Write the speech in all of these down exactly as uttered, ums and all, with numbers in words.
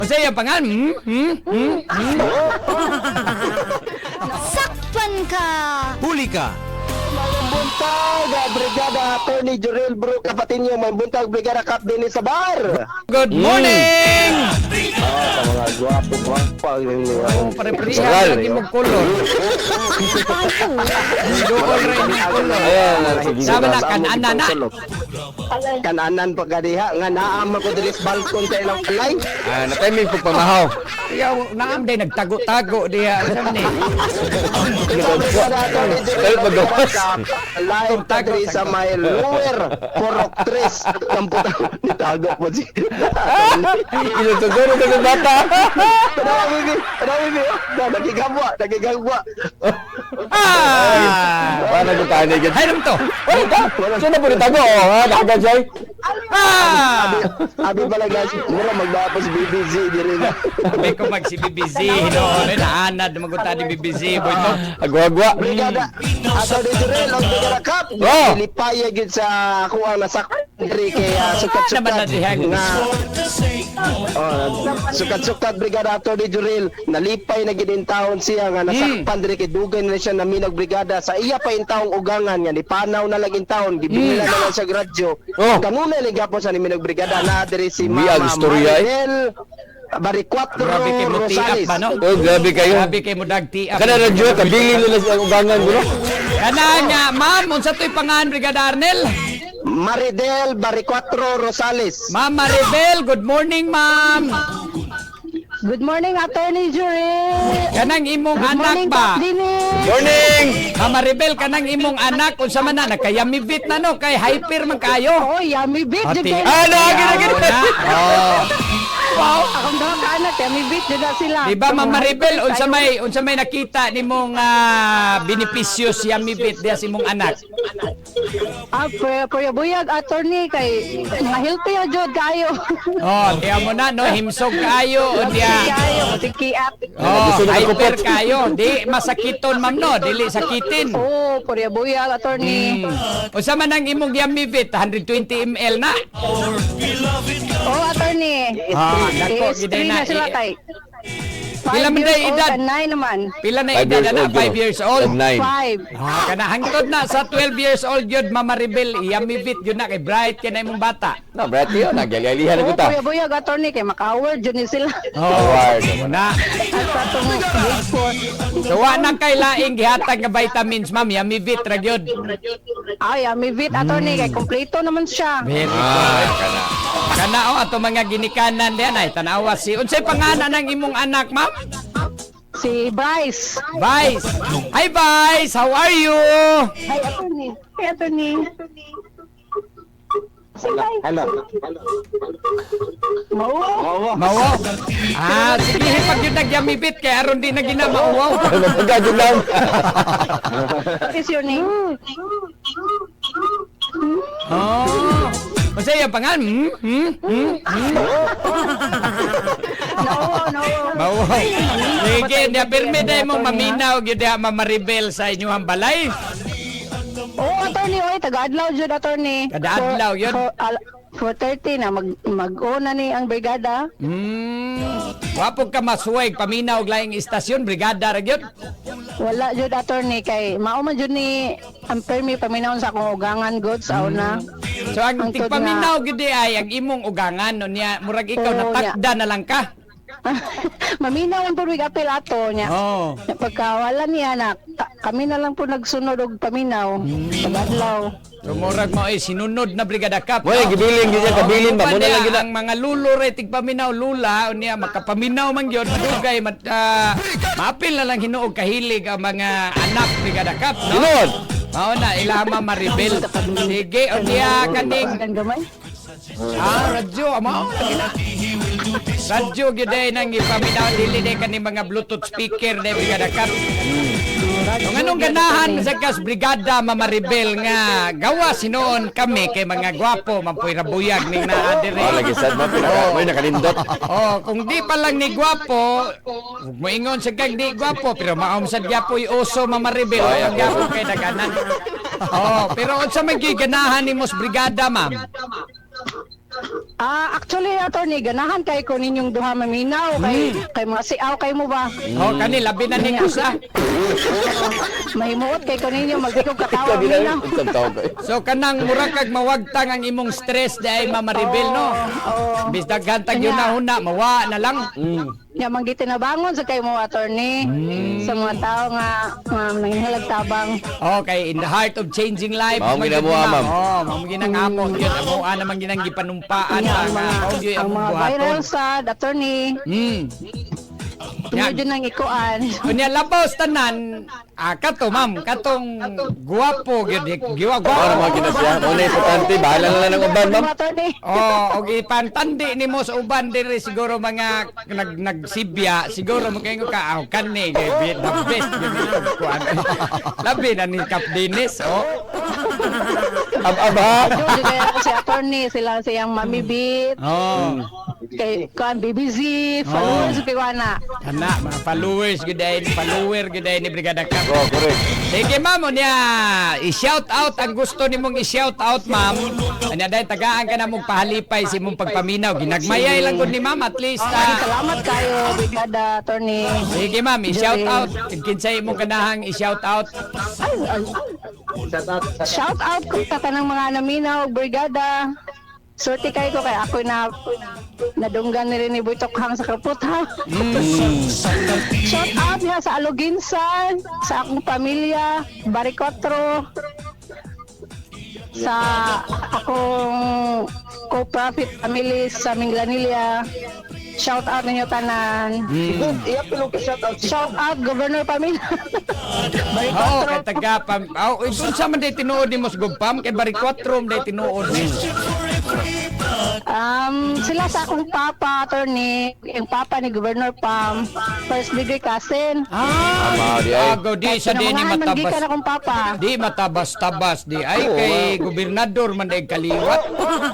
O sa iya pangan? Hmm? Hmm? Hmm? Hmm? Sakpan ka! Huli ka. Buntag, Brigada Attorney Jurel Bro, kapatid niyo, may buntag Brigada Cap din sa bar. Good morning! Ah, sa mga gwapo, gwapo. Oh, pare-pareha lagi mo kolor. Duol rin yung kolor. Sama na, kananan na. Kananan pa kadiha, nga naama ko dili sa balkon sa ilang kalay. Ah, na-timing po pamahaw. Yaw, naam day nagtago-tago diya. Saan ni? Brigada Attorney Kayo Jurel mag-gawas. live tagri sa may lower Porok tres. Kamputan, nitago po si Ilutuguro ka ng bata. Padawa, bibi. Padawa, bibi. Nagigagwa, nagigagwa. Ah! Paano ko tayo na Hay naman to! Ay, ka? Sino po nitago? Oh, ha? Nakagajay? Ah! Abi pala guys, mura magdapos B B Z diri na. May ko mag si B B Z, no? May naanad magunta ni B B Z, boy to. Agwa-agwa. Brigada, ato di Jurel, ang Brigada Cup. Oh! Lipaya gid sa ako ang nasak diri kay ah, Naman na sukat-sukat dihag. nga. Oh, sukat-sukat Brigada ato di Jurel, nalipay na gid in taon siya nga nasakpan diri kay dugay na siya na minag brigada sa iya pa in taong ugangan nga ni panaw na lang in taon, gibinila na lang sa radyo. Oh. Kanuna lang gapon sa ni minag brigada na diri si Biyag Mama istorya, eh. Marinel Baricuatro Grabe kay mo tiap Rosales. ba, no? Oh, grabe kayo. Grabe kay mo dagtiap. Kana radyo, kabilin nila sa ugangan ko, no? Kana nga, ma'am, unsa to'y pangalan, Brigada Arnel? Maridel Baricuatro Rosales. Ma'am Maribel, good morning, ma'am. Good morning, Attorney Jurel! Kanang imong Good anak morning, ba? Kap Dinis! Morning! Ma'am Maribel, kanang imong anak, unsa man na, nagkayamibit na, no? Kay hyper man kayo. Oh, yummy bit! Ati- Jud Ah, lagi na gini. Oh. Wow! Akong daw ka anak, yummy bit! Jud na sila! Di ba, Ma'am Kung Maribel, hyper unsa tayo- may unsa may nakita nimong ah, benepisyo sa yamibit diya sa imong anak? Ah, pero pero buyag, Attorney, kay mga healthy o Jud kayo! Oh, diya mo na, no? Himsog kayo, o diya. Kayo, matikiat! Oh, Gusto na hyper kupot. kayo. Di masakiton, ma'am, no? Dili sakitin. Oh, pero buyag, Attorney! Hmm. Unsa man ang imong yamibit? one hundred twenty milliliters na. Oh, Attorney! Ah, dako, Is giday three na. na sila I- kay. Pila Five man years day old edad? and nine naman. Pila na Five edad years na? old, five yo. years old? And nine. Five. Ah, kana hangtod na sa twelve years old yun, Mama Maribel, yamibit yun na kay bright kay na imong bata. No, brati yun. Nagyalihan Oh, ko ta. kuya buyag, Attorney, kay maka-award yun ni sila. Award. Na. At sa itong grade four. So wa na kay laing gihatag nga vitamins, ma'am, yamibit ra gyud. Ay, yummy bit, Attorney, kay kompleto naman siya. Very Ah, good. kana. Kana o ato mga ginikanan diyan ay tanawa si unsay pangalan ng imong anak, ma'am? Si Bryce. Vice. Hi Vice, how are you? Hi, Attorney. Hi, Attorney. Hello. Mau. Mawo. Ah, sige pag yun nagyamibit kay aron di na ginamauwaw. Magkajud lang. What is your name? Oh. Unsay yung pangalan? Hmm? Hmm? Hmm? Hmm? No, no. Mawo. Sige, niya pirmi dahil mong maminaw gyud diha Ma'am Maribel sa inyong balay. Oh, Attorney, oy, taga-adlaw jud, Attorney. Kada-adlaw, yun? For, al- for thirty na, mag, mag-una ni ang brigada. Hmm. Wapo ka masuway paminaw og laing istasyon, brigada ra gyud. Wala jud, Attorney, kay mauman jud ni ang permi paminawon sa akong ugangan goods sa una. So ang Ang tod tigpaminaw gyud di ay ang imong ugangan no niya murag ikaw Oo, natakda na lang ka. Maminaw ang purwig apel ato niya. Oh. Pagka wala niya na, ka- kami na lang po nagsunod og paminaw. Pag-adlaw. So murag mo ay sinunod na brigada kap. Wala, gibilin gyud yan, kabilin ba? Muna lang gyud na. ang mga lulo re tigpaminaw lula unya makapaminaw man gyud madugay mat uh, maapil na lang hinuog kahilig ang mga anak brigada kap no. Sunod. Mao na ilama Maribel. Sige unya kaning Ang gamay. ah radyo amo lagi na. Radyo gyud ay nang ipaminaw dili day kaning mga bluetooth speaker day brigada kap. Kung anong ganahan sa kas brigada Mama Maribel nga gawa sinoon kami kay mga gwapo mampuy rabuyag ning naa Oh, dire. lagi sad mo. Pinaka, may nakalindot. Oh, kung di pa lang ni gwapo, huwag mo ingon sa kag di gwapo, pero maom sa gyapoy uso Mama Maribel, oh, ang gyapo kay daganan. Oh, pero unsa may ganahan ni mos brigada, ma'am? Ah, actually, attorney, ganahan kay ko ninyong duha maminaw kay kay mga siaw kay mo ba? Oh, kani labi na ning usa. Mahimuot kay ko ninyo magdikog katawa Kabila minaw. unsang tawag ko. So kanang mura kag mawagtang ang imong stress dahil Mama Rebel no. Oo. Bis daghan tag yun na huna mawa na lang. Mm. Nya manggiti na bangon sa kay mo attorney sa mga tao nga nga nanginhalag tabang. Okay, in the heart of changing life. Mao man gina mo, gyud na. ma'am. Oh, mao ginang amo gyud amo ana man ginang gipanumpaan Nya, nga ang mga, mao gyud ang ang mga buhaton. viral sa attorney. Hmm. Tuloy Yan. din ang ikuan. Kunya labaw tanan, ah, kato ma'am, katong guwapo gyud giwa Para gwapo. mga kinasya. Mo na importante, bahala na lang ng uban, ma'am. Attorney. Oh, og ipantandi nimo sa uban diri siguro mga nag nagsibya, siguro magkaingo ka aw kani kay be- the best gyud ni kuan. Labi na ni Kap Dennis, oh. Ab-aba. Jojo kaya ako si attorney, sila siyang Mami Beat, Oh. kay kuan B B Z, followers kay Wana. Ana, mga followers gyud ay follower gyud ay ni Brigada Kap. Oh, correct. Sige ma'am, niya i-shout out ang gusto nimong i-shout out ma'am. Anya dahil tagaan ka na mong pahalipay si mong pagpaminaw. Ginagmayay lang gud ni ma'am at least. Ay, ah, salamat kayo, Brigada Attorney. Sige ma'am, i-shout out. Kinsay imong kanahang i-shout out. Ay, ay. Shout out ko sa tanang mga naminaw, Brigada. Sorte kayo ko kay ako na nadunggan ni rin ni Boy Tokhang sa kaputha. Shout out niya sa Aluginsan, sa akong pamilya, Baricotro, sa akong co-profit family sa Minglanilla. Shout out ninyo tanan. Iya pilo ka shout out. Shout out Governor Pamilya. Oo, Baricotro. kay taga pam. Oh, dun sa man day tinuod ni Mos Gugpam kay Baricotro day tinuod ni. Um, sila sa akong papa, attorney, yung papa ni Governor Pam, first degree cousin. Ah, Tama, di ay. Ago di sa di ni Pinangungahan man matabas. gikan akong papa. Di matabas-tabas di ay Oo, kay gobernador man day kaliwat.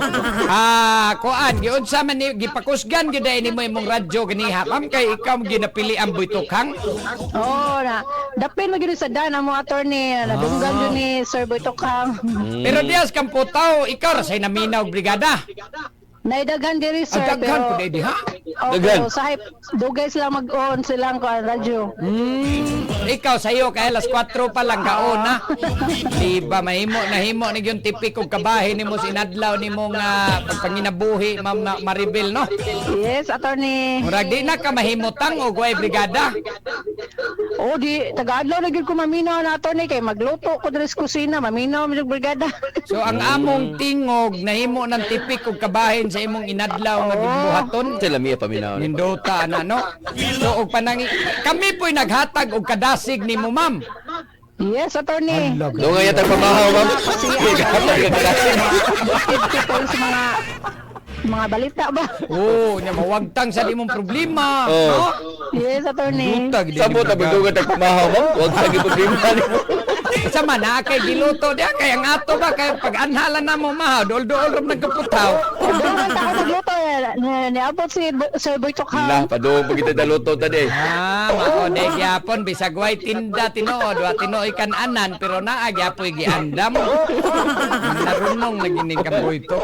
Ah, kuan giunsa man ni gipakusgan gyud ay nimo imong radyo ganiha. Ma'am kay ikaw ginapili ang Boy Tokhang. Oo na. Dapin mo gini sa dana mo, attorney. Nadunggan yun ni Sir Boy Tokhang. Pero dias kang putaw, ikaw ra say naminaw brigada. Naidagan diri, sir. Ang daghan pero- po di ha. Daghan. Opo, sahip, dugay sila mag-on silang kuan radyo. Hmm, ikaw sayo kay alas kwatro pa lang kaon na. Di ba mahimo nahimo ni yung tipikong kabahin nimo sinadlaw nimo nga pagpanginabuhi Ma'am na- Maribel no. Yes, attorney. Murag di na ka mahimutang og way brigada. Oh, di, taga-adlaw na gyud ko maminaw na, attorney. Kay magluto ko diri sa kusina, maminaw mo yung brigada. So ang among tingog nahimo ng tipik og kabahin sa imong inadlaw nga gibuhaton. Sila miya paminaw. Nindota ana no. So og panangi kami po'y naghatag og kadasig nimo ma'am. Yes, attorney. Doon nga yata pamahaw, ma'am. Kapag kagalasin. People sa mga mga balita ba? Oh, nya mawagtang sa imong problema. Oh. No? Yes, attorney. Dutag di Sabo ni tabi Brigada. dugat ang pamahaw, ma'am. Huwag sa giputrima ni mo. Sa man na kay giluto dia kay ang ato ba kay pag-anhala na mo mahaw dol-dol ram nagkaputaw. Doon ta ako nagluto eh. Ni- Niabot si Bo- Sir Boy Tokhang. Nah, padoong pag kita daluto tadi. Ah, mao de gyapon bisag way tinda tinuod wa tinuoy kan anan pero naa gyapoy giandam. Narunong lagi ni kaboy to.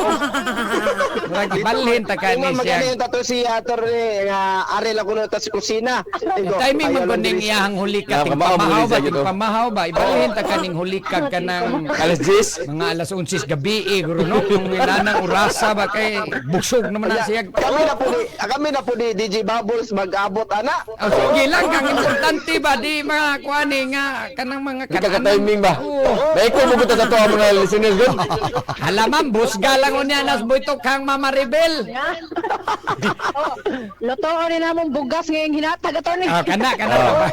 Murag ibalhin ta ka ni Kung maganda siya. yung tato si attorney nga ari lang kuno ta sa kusina. Digo, Timing ayaw mo lang kuning diri sa- iyahang hulikag Na, ting kamao mo pamahaw rin ba sa ting gito. pamahaw ba ibalhin ta kaning hulikag kanang Alas diyes. mga alas onsis gabi eh guro no kung ilanang urasa ba kay busog naman na siya. Kami na po ni kami na po ni D J Bubbles mag-abot ana. Oh, sige lang kang importante ba di mga kuani nga kanang mga Di ka ka-timing ba? Dahil ko mabuta sa to ang mga listeners doon. Halaman busga lang unya nas Boy Tokhang Mama Rebel. Oh, lutoon din namong bugas ngayong hinatag, attorney. Ah, kana kana ka ba?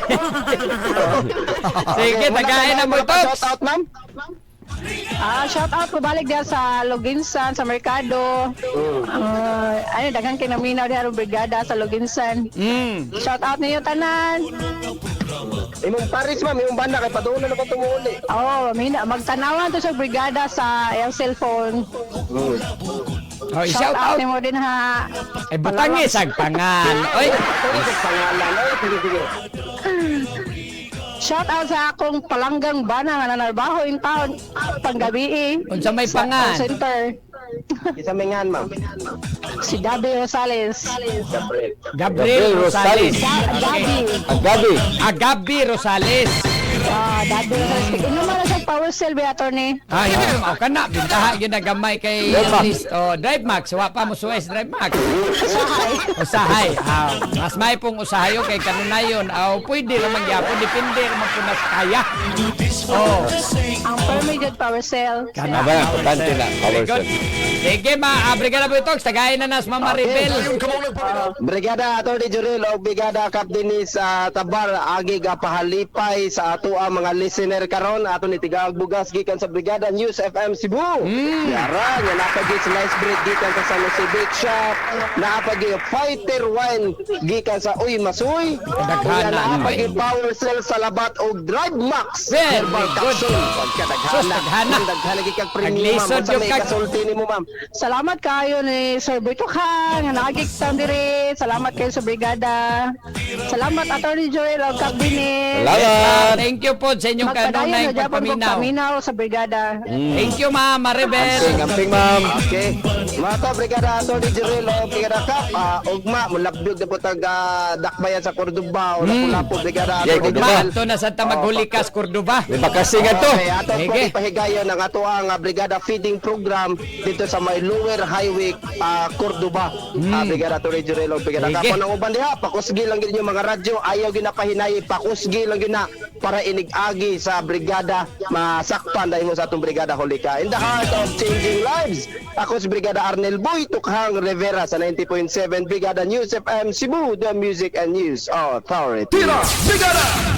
Sige, tagain na Boy Toks. Shout out ma'am. Ah, shout out ko balik diyan sa Loginsan, sa Mercado. Ah, ano, daghang kinaminaw diyan ang brigada sa Loginsan. Mm. Shout out ninyo tanan. Imong Paris ma'am, imong banda kay padung na ko tumuuli. Oh, mina magtanawan to sa brigada sa iyang cellphone. Oh, Shout shout out out. nimo din ha. Eh butangis ang pangal. Oy. Pangalan ay sige sige. Shout out sa akong palanggang bana nga nanarbaho in town panggabi eh. Unsa may Sa pangan? call center. Isa mingan, ma'am. Si Gabi Rosales. Gabriel. Gabriel Gabriel Rosales. Rosales. Ga- Gabi. Ang gabi. Ah, Gabi Rosales. Ah, Gabi Rosales. Inuman na sa power cell ba, attorney? Ah, yun yung ako na. Bintaha yun na gamay kay Drive Max. list. Oh, Drive Max. Wa pa mo suwes Drive Max. Usahay. Usahay. Ah, mas may pong usahayo kay kanunayon. Ah, pwede naman gyapon. Depende naman po na sa kaya. Oh. Ang permitted power cell. Kana Aba, importante na. Very Power good. cell. Sige, ma. Ah, Brigada Butok. Tagayin na nas Mama Rebel. Brigada Atty. Jurel o Brigada Cap Dennis sa Tabar agi ga pahalipay sa ato ang mga listener karon ato ni tigaag bugas gikan sa Brigada News F M Cebu. Mm. Yara nga napagi slice bread gikan sa San Jose Bake Shop, napagi fighter wine gikan sa Uy Masuy. Daghana. Napagi power cell sa Labat og Drive Max. Very Herbal good. capsule. Sus, Pagkadaghana. daghana. Daghana gikag premium Naglisod ma'am. Sa yung may kag- kasulti nimo ma'am. Salamat kayo ni Sir Berto Kang, nga nakagigtan diri. Salamat kayo sa brigada. Salamat Attorney Joel o Cap Dennis. Salamat. Thank you po sa inyong kanunay Magpadayon sa Japon kong pagpaminaw. paminaw sa brigada. Thank you, Mama Rebel. Amping, amping, ma'am. Okay. Mga ka, Brigada Atty. Jirel o Brigada Cap, ah, ugma, mulabdog na po tag ah, dakbayan sa Cordoba o Lapu-Lapu, Brigada Yeah, Atty. Cordoba. Jirel. Ito na Santa Maghulikas, Cordoba. May bakasingan to. Okay, ato po Sige. ipahigayon ng ato ang ah, Brigada Feeding Program dito sa may Lower Highway, ah, Cordoba. Ah, Brigada Atty. Jirel o Brigada Cap. Sige. Ang uban diha, pakusgi lang gid yung mga radyo, ayaw ginapahinayi, pakusgi lang gina para inig-agi sa brigada masakpan dahil mo sa atong brigada Holika. In the heart of changing lives, ako si Brigada Arnel Boy Tukhang Rivera sa ninety point seven Brigada News F M Cebu, the Music and News Authority. Tira, Brigada!